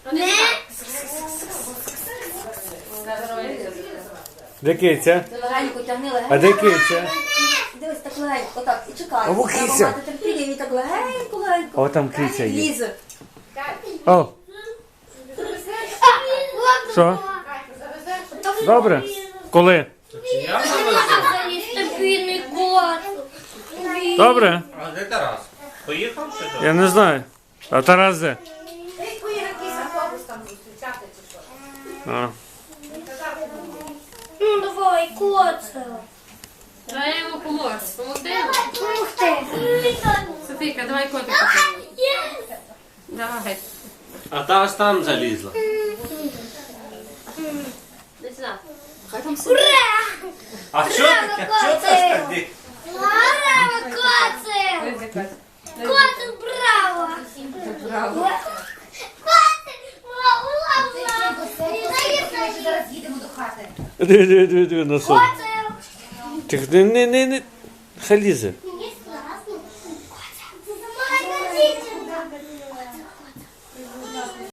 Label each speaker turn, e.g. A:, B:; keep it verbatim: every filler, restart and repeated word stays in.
A: Не.
B: Де киця?
C: Ти легенько тягни, легенько.
B: А де киця?
C: Дивись, так легенько, так, і чекай.
B: А во
C: Треба
B: киця.
C: мати терпіння, і так легенько, легенько.
B: О, там киця є.
C: Лізе.
B: О, що? Добре. Коли?
D: Я завезу.
A: Стабільний кот.
B: Добре?
D: А де Тарас? Поїхав чи що?
B: Я не знаю. А Тарас де? А.
A: Ну давай, коце.
E: Давай я йому поможу. Помогти йому?
A: Ух ти.
E: Софійка, давай котика поможу. Давай.
D: А та аж там залізла.
E: Іди сюди.
C: Хай там сидить.
A: Ура!
D: А що таке? Що це ж таке?
A: Браво, коце! Коце, браво!
C: Браво.
A: Коце, браво!
F: Зараз їдемо до хати.
B: Диви, диви, диви, диви на сон.
A: Коце!
B: Тих, не, не, не, не. Хай лізе.